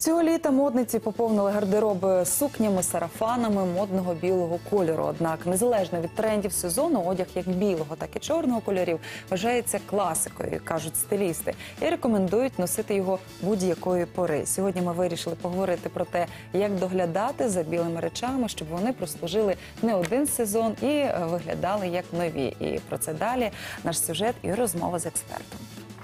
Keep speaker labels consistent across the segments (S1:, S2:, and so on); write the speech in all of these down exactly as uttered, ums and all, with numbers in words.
S1: Цього літа модниці поповнили гардероби сукнями, сарафанами модного білого кольору. Однак, незалежно від трендів сезону, одяг як білого, так і чорного кольорів вважається класикою, кажуть стилісти, і рекомендують носити його будь-якої пори. Сьогодні ми вирішили поговорити про те, як доглядати за білими речами, щоб вони прослужили не один сезон і виглядали як нові. І про це далі наш сюжет і розмова з експертом.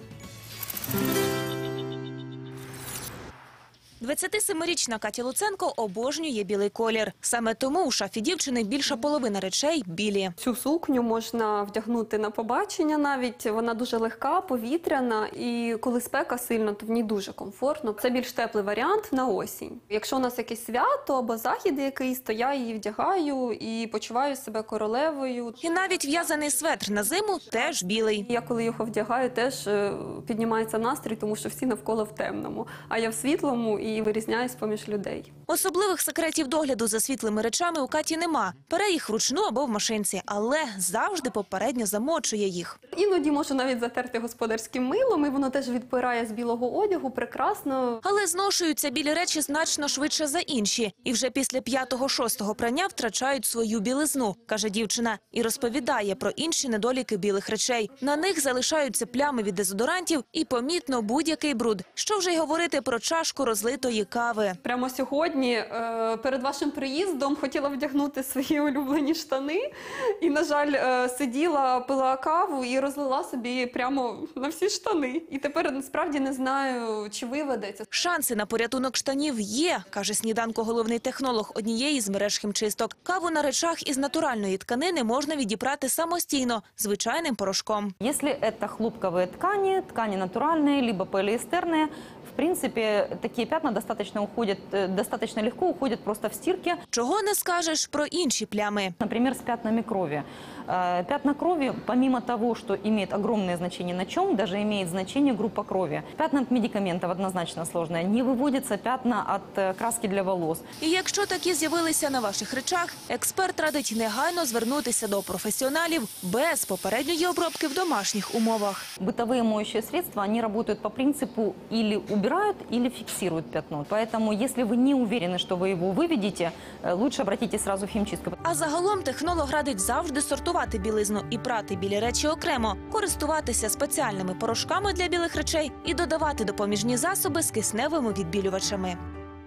S2: двадцятисемирічна Катя Луценко обожнює білий колір. Саме тому у шафі дівчини більша половина речей білі.
S3: Цю сукню можна вдягнути на побачення навіть. Вона дуже легка, повітряна, і коли спека сильно, то в ній дуже комфортно. Це більш теплий варіант на осінь. Якщо у нас якесь свято або захід якийсь, то я її вдягаю і почуваю себе королевою.
S2: І навіть в'язаний светр на зиму теж білий.
S3: Я коли його вдягаю, теж піднімається настрій, тому що всі навколо в темному, а я в світлому і вирізняюсь поміж людей.
S2: Особливих секретів догляду за світлими речами у Каті нема. Пере їх вручну або в машинці, але завжди попередньо замочує їх.
S3: Іноді можу навіть затерти господарським милом, і воно теж відпирає з білого одягу, прекрасно.
S2: Але зношуються білі речі значно швидше за інші. І вже після п'ятого-шостого прання втрачають свою білизну, каже дівчина. І розповідає про інші недоліки білих речей. На них залишаються плями від дезодорантів і помітно будь-який бруд. Що вже й говорити про чашку розлитої кави.
S3: Прямо сьогодні перед вашим приїздом хотіла вдягнути свої улюблені штани і, на жаль, сиділа, пила каву і розлила собі прямо на всі штани. І тепер насправді не знаю, чи виведеться.
S2: Шанси на порятунок штанів є, каже сніданку головний технолог однієї з мереж хімчисток. Каву на речах із натуральної тканини можна відіпрати самостійно, звичайним порошком.
S4: Якщо це хлопкові ткані, ткані натуральні, або поліестерні, в принципе, такие пятна достаточно уходят, достаточно легко уходят просто в стирке.
S2: Чого не скажеш про інші плями?
S4: Например, с пятнами крови. Пятна крови, помимо того, что имеет огромное значение на чем, даже имеет значение группа крови. Пятна от медикаментов однозначно сложные. Не выводятся пятна от краски для волос.
S2: І якщо такі з'явилися на ваших речах, експерт радить негайно звернутися до професіоналів без попередньої обробки в домашніх умовах.
S4: Бытовые моющие средства, они работают по принципу или убирают, или фиксируют пятно. Поэтому, если вы не уверены, что вы его выведете, лучше обратитесь сразу в химчистку.
S2: А загалом технолог радить завжди сортувати білизну і прати білі речі окремо, користуватися спеціальними порошками для білих речей і додавати допоміжні засоби з кисневими відбілювачами.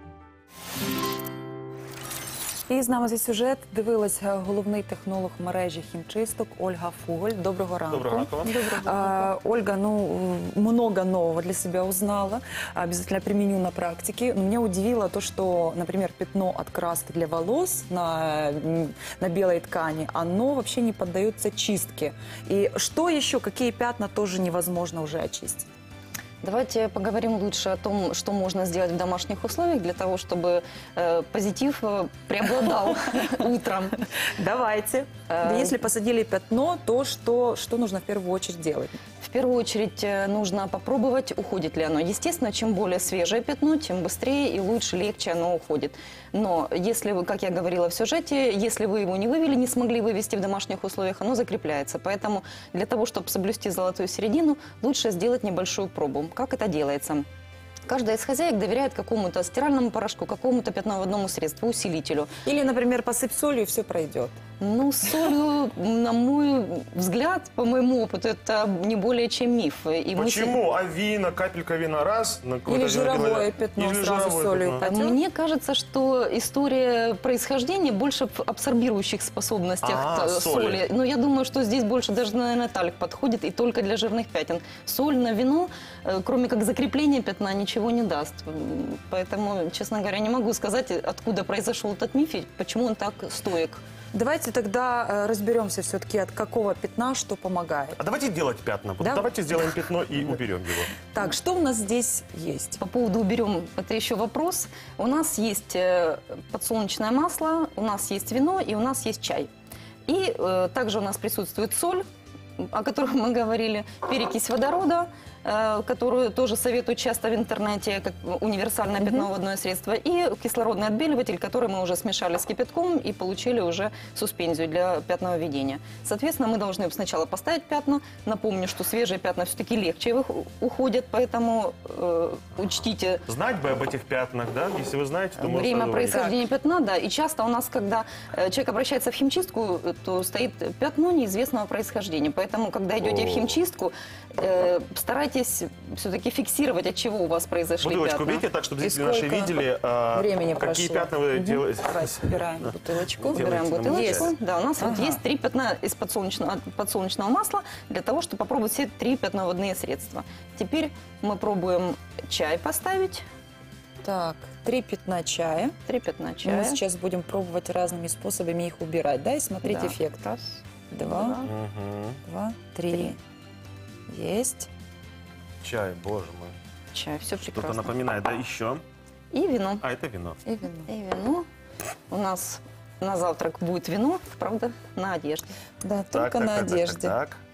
S1: І з нами за сюжет дивилась головний технолог мережі хімчисток Ольга Фуголь. Доброго ранку.
S5: Доброго ранку вам.
S1: А, Ольга, ну, много нового для себя узнала. Обязательно применю на практике. Но меня удивило то, что, например, пятно от краски для волос на, на белой ткани, оно вообще не поддается чистке. И что еще, какие пятна тоже невозможно уже очистить?
S4: Давайте поговорим лучше о том, что можно сделать в домашних условиях для того, чтобы э, позитив э, преобладал утром.
S1: Давайте. Если посадили пятно, то что, что нужно в первую очередь делать?
S4: В первую очередь нужно попробовать, уходит ли оно. Естественно, чем более свежее пятно, тем быстрее и лучше, легче оно уходит. Но если вы, как я говорила в сюжете, если вы его не вывели, не смогли вывести в домашних условиях, оно закрепляется. Поэтому для того, чтобы соблюсти золотую середину, лучше сделать небольшую пробу. Как это делается? Каждая из хозяек доверяет какому-то стиральному порошку, какому-то пятноводному средству, усилителю.
S1: Или, например, посыпь солью, и все пройдет.
S4: Ну, с солью, на мой взгляд, по моему опыту, это не более чем миф. И
S5: Почему? Мы... А вина, капелька вина раз? На
S1: Или жировое пятно
S5: Или
S1: сразу
S5: жировое
S1: солью.
S5: пятно.
S4: Мне кажется, что история происхождения больше в абсорбирующих способностях
S5: А,
S4: соли.
S5: соли.
S4: Но я думаю, что здесь больше даже, наверное, талик подходит и только для жирных пятен. Соль на вино, кроме как закрепления пятна, ничего не даст. Поэтому, честно говоря, не могу сказать, откуда произошел этот миф и почему он так стоек.
S1: Давайте тогда разберемся все-таки, от какого пятна что помогает.
S5: А давайте делать пятна.
S1: Да?
S5: Давайте сделаем пятно и уберем его.
S1: Так, что у нас здесь есть?
S4: По поводу уберем, это еще вопрос. У нас есть подсолнечное масло, у нас есть вино и у нас есть чай. И э, также у нас присутствует соль, о которых мы говорили, перекись водорода, э, которую тоже советуют часто в интернете, как универсальное пятновыводное средство, и кислородный отбеливатель, который мы уже смешали с кипятком и получили уже суспензию для пятновыведения. Соответственно, мы должны сначала поставить пятна. Напомню, что свежие пятна все-таки легче их уходят, поэтому э, учтите
S5: Знать бы об этих пятнах, да? Если вы знаете, то можно
S4: время
S5: сразу говорить.
S4: происхождения пятна, да. И часто у нас, когда э, человек обращается в химчистку, то стоит пятно неизвестного происхождения. Поэтому, когда идете в
S5: О.
S4: химчистку, э, старайтесь все-таки фиксировать, от чего у вас произошли
S5: Бутылочку
S4: пятна.
S5: берите так, чтобы
S1: И
S5: зрители наши
S1: сколько
S5: видели, а,
S1: времени
S5: какие
S1: прошло?
S5: пятна вы
S1: Мгм.
S5: делаете.
S1: Давай, убираем бутылочку.
S5: Делайте
S4: Убираем
S5: нам
S4: бутылочку.
S5: чай.
S4: Да, у нас вот
S1: Ага.
S4: есть три пятна из подсолнечного, подсолнечного масла для того, чтобы попробовать все три пятновыводные средства. Теперь мы пробуем чай поставить.
S1: Так, три пятна чая.
S4: Три пятна
S1: Мы
S4: чая.
S1: сейчас будем пробовать разными способами их убирать, да? И смотреть
S4: Да.
S1: эффект.
S4: Раз,
S1: Два,
S5: Мгм.
S1: два, три. Есть.
S5: Чай, боже мой.
S4: чай. Все
S5: Что-то
S4: прекрасно.
S5: напоминает, да, еще.
S4: И вино.
S5: А, это вино.
S1: И вино.
S4: И вино. У нас на завтрак будет вино, правда, на одежде.
S1: Да,
S5: Так,
S1: только
S5: так,
S1: на
S5: так, так,
S1: одежде.
S5: так, так.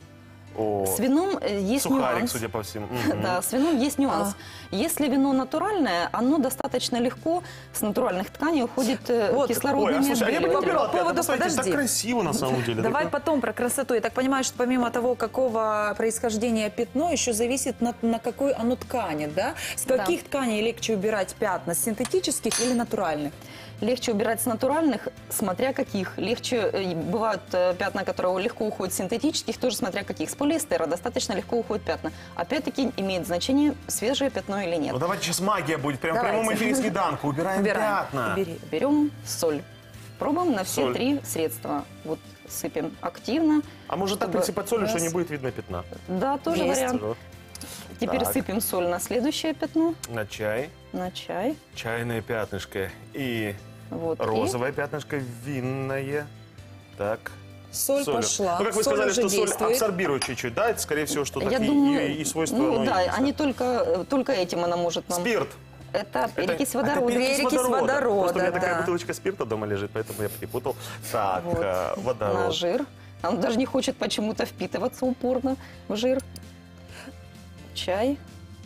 S5: О,
S4: С вином э, есть
S5: сухарик,
S4: нюанс.
S5: судя по всему. Мгм.
S4: Да, с вином есть нюанс. Если вино натуральное, оно достаточно легко с натуральных тканей уходит э,
S1: Вот.
S4: кислородными
S5: Ой, а слушай, а я бы
S1: По
S4: отбеливателями.
S5: выбирал пятна.
S1: поводу-
S5: Посмотрите, так
S1: подожди.
S5: красиво на самом деле.
S1: Давай
S5: Такое-
S1: потом про красоту. Я так понимаю, что помимо того, какого происхождения пятно, еще зависит на, на какой оно ткани, да? С
S4: Да.
S1: каких тканей легче убирать пятна? С синтетических или натуральных?
S4: Легче убирать с натуральных, смотря каких. Легче э, бывают э, пятна, которые легко уходят с синтетических, тоже смотря каких. С полиэстера достаточно легко уходят пятна. Опять-таки имеет значение, свежее пятно или нет.
S5: Ну давайте сейчас магия будет. Прям в
S1: Давайте.
S5: прямом эфире снеданку. Убираем,
S1: Убираем.
S5: пятна.
S1: Убери.
S4: Берем соль. Пробуем на все
S5: Соль.
S4: три средства. Вот сыпем активно.
S5: А может так
S4: Чтобы
S5: присыпать солью, что
S1: раз.
S5: не будет видно пятна?
S4: Да, тоже
S1: Есть.
S4: вариант.
S5: Вот.
S4: Теперь
S5: Так.
S4: сыпем соль на следующее пятно,
S5: На чай.
S4: на чай.
S5: Чайное пятнышко. И
S4: Вот. и
S5: розовое пятнышко винное. Так.
S1: Соль
S5: солью.
S1: пошла.
S5: Ну, как вы
S1: Соль
S5: сказали,
S1: уже
S5: что соль
S1: действует.
S5: абсорбирует чуть-чуть, да? Это, скорее всего, что
S4: Я
S5: так и-
S4: думаю,
S5: и, и свойства
S4: ну
S5: оно и
S4: да,
S5: есть,
S4: они только, э, только этим она может нам...
S5: Спирт.
S4: Это
S5: Это-
S4: перекись
S5: а, это
S4: водорода.
S1: перекись водорода,
S5: Просто у меня такая
S1: да.
S5: бутылочка спирта дома лежит, поэтому я перепутал. Так,
S4: Вот.
S5: э,
S4: На
S5: водород.
S4: жир. Он даже не хочет почему-то впитываться упорно в жир. Чай.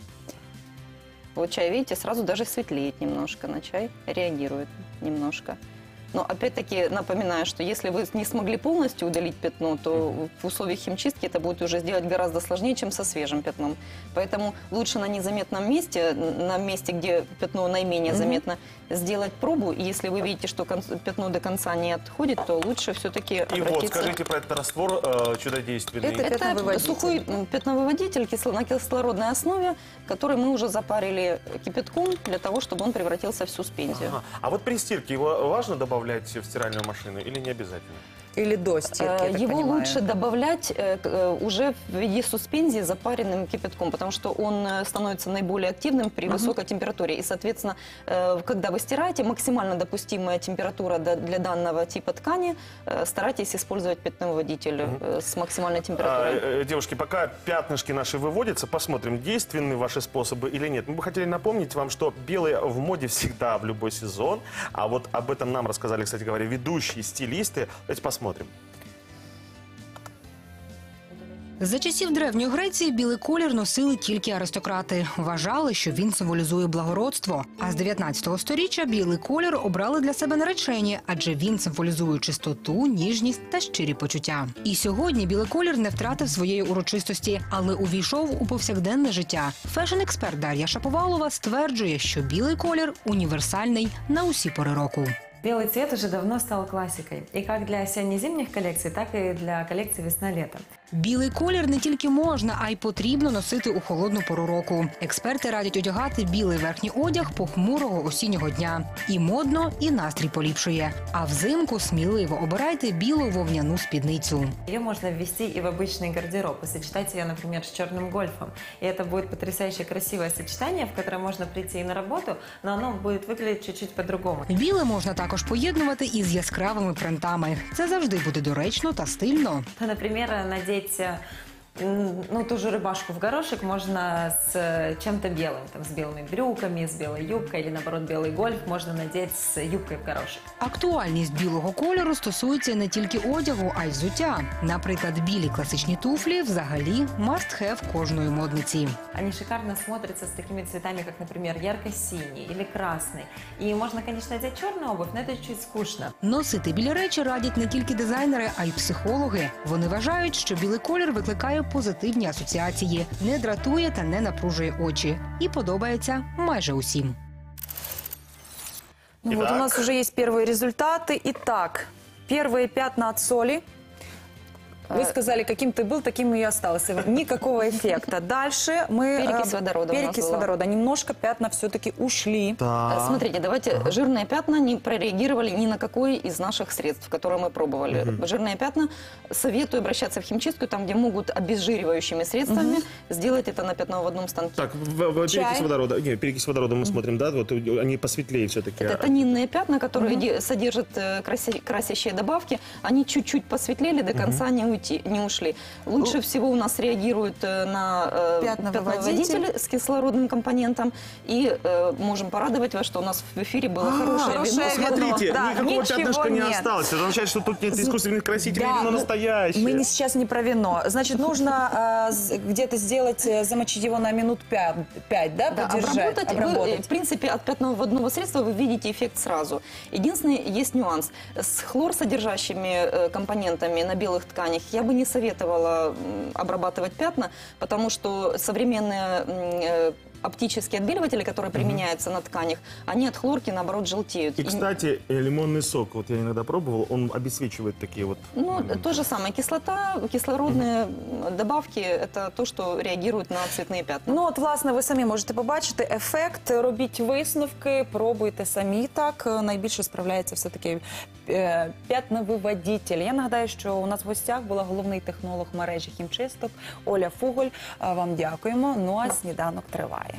S4: Вот чай, видите, сразу даже светлеет немножко. На чай реагирует немножко. Но опять-таки напоминаю, что если вы не смогли полностью удалить пятно, то в условиях химчистки это будет уже сделать гораздо сложнее, чем со свежим пятном. Поэтому лучше на незаметном месте, на месте, где пятно наименее заметно, сделать пробу. И если вы видите, что кон- пятно до конца не отходит, то лучше все-таки
S5: И
S4: обратиться...
S5: вот, скажите про этот раствор э, чудодейственный.
S1: Это-
S4: Это
S1: Пятновыводитель.
S4: сухой м, пятновыводитель кисло- на кислородной основе, который мы уже запарили кипятком для того, чтобы он превратился в суспензию.
S5: Ага. А вот при стирке его важно добавлять в стиральную машину или не обязательно?
S1: Или до стирки, я
S4: Э,
S1: так
S4: Его
S1: понимаю.
S4: лучше добавлять э, к- э, уже в виде суспензии запаренным кипятком, потому что он э, становится наиболее активным при высокой температуре. И, соответственно, э, когда вы стираете, максимально допустимая температура до- для данного типа ткани, э, старайтесь использовать пятновыводитель э, с максимальной
S5: А,
S4: температурой.
S5: э, девушки, пока пятнышки наши выводятся, посмотрим, действенны ваши способы или нет. Мы бы хотели напомнить вам, что белые в моде всегда в любой сезон. А вот об этом нам рассказали, кстати говоря, ведущие стилисты. Давайте посмотрим.
S6: За часів Древньої Греції білий колір носили тільки аристократи. Вважали, що він символізує благородство. А з дев'ятнадцятого сторіччя білий колір обрали для себе наречені, адже він символізує чистоту, ніжність та щирі почуття. І сьогодні білий колір не втратив своєї урочистості, але увійшов у повсякденне життя. Фешн-експерт Дар'я Шаповалова стверджує, що білий колір універсальний на усі пори року.
S7: Белый цвет уже давно стал классикой. И как для осенне-зимних коллекций, так и для коллекций весна-лето.
S6: Білий колір не тільки можна, а й потрібно носити у холодну пору року. Експерти радять одягати білий верхній одяг похмурого осіннього дня. І модно, і настрій поліпшує. А взимку сміливо обирайте білу вовняну спідницю.
S7: Ее можно ввести и в обычный гардероб, и сочетать ее, например, с черным гольфом. И это будет потрясающе красивое сочетание, в которое можно прийти и на работу, но оно будет выглядеть чуть-чуть по-другому.
S6: Біле можна також поєднувати із яскравими принтами. Це завжди буде доречно та стильно.
S7: Например, надеть М, Ну, ту же рубашку в горошек можно с э, чем-то белым, там, с белыми брюками, с белой юбкой или, наоборот, белый гольф можно надеть с юбкой в горошек.
S6: Актуальність білого кольору стосується не тільки одягу, а й взуття. Наприклад, білі класичні туфлі взагалі must-have кожної модниці.
S7: Они шикарно смотрятся с такими цветами, как, например, ярко-синий или красный. И можно, конечно, одеть черную обувь, но это чуть скучно.
S6: Носити білі речі радять не тільки дизайнери, а й психологи. Вони вважають, що білий колір викликає позитивні асоціації, не дратує та не напружує очі. І подобається майже усім.
S1: Ну вот у
S5: Итак.
S1: нас уже есть первые результаты. Итак, первые пятна от соли. Вы сказали, каким ты был, таким и остался. Никакого эффекта. Дальше мы...
S4: Перекись
S1: э,
S4: водорода у нас
S1: Перекись
S4: была.
S1: водорода. Немножко пятна все-таки ушли.
S4: Э, Смотрите, давайте, жирные пятна не прореагировали ни на какое из наших средств, которые мы пробовали. Жирные пятна советую обращаться в химчистку, там, где могут обезжиривающими средствами сделать это на пятновыводном станке.
S5: Так, в, в-
S1: Чай.
S5: перекись водорода. Не, перекись водорода мы смотрим, да, вот у- они посветлее все-таки.
S4: Это тонинные пятна, которые де- содержат э, краси- красящие добавки. Они чуть-чуть посветлели, до конца не, уйти, не ушли. Лучше всего у нас реагируют э, на э,
S1: Пятновыводитель.
S4: пятновыводитель с кислородным компонентом. И э, можем порадовать вас, что у нас в эфире было хорошее
S1: хорошее
S4: вино.
S1: вино.
S5: Смотрите,
S1: Да,
S5: никакого
S1: ничего
S5: пятнышка не
S1: нет.
S5: осталось. Это означает, что тут нет искусственных красителей,
S1: Да,
S5: вино
S1: ну,
S5: настоящее.
S1: Мы не, сейчас не про вино. Значит, нужно э, с- где-то сделать, э, замочить его на минут пять, пять, да,
S4: Да,
S1: подержать,
S4: обработать, вы, в принципе, от пятновыводного средства вы видите эффект сразу. Единственный есть нюанс. С хлорсодержащими э, компонентами на белых тканях я бы не советовала м, обрабатывать пятна, потому что современные м, э, оптические отбеливатели, которые применяются на тканях, они от хлорки, наоборот, желтеют.
S5: И,
S4: И-
S5: кстати, э, лимонный сок, вот я иногда пробовал, он обесцвечивает такие вот...
S4: Ну, то же самое. Кислота, кислородные м, добавки – это то, что реагирует на цветные пятна.
S1: Ну, от, власне, ви самі можете побачити ефект, робіть висновки, пробуйте самі так. Найбільше справляється все-таки е, п'ятновиводитель. Я нагадаю, що у нас в гостях була головний технолог мережі хімчисток Оля Фуголь. А, Вам дякуємо. Ну, а сніданок триває.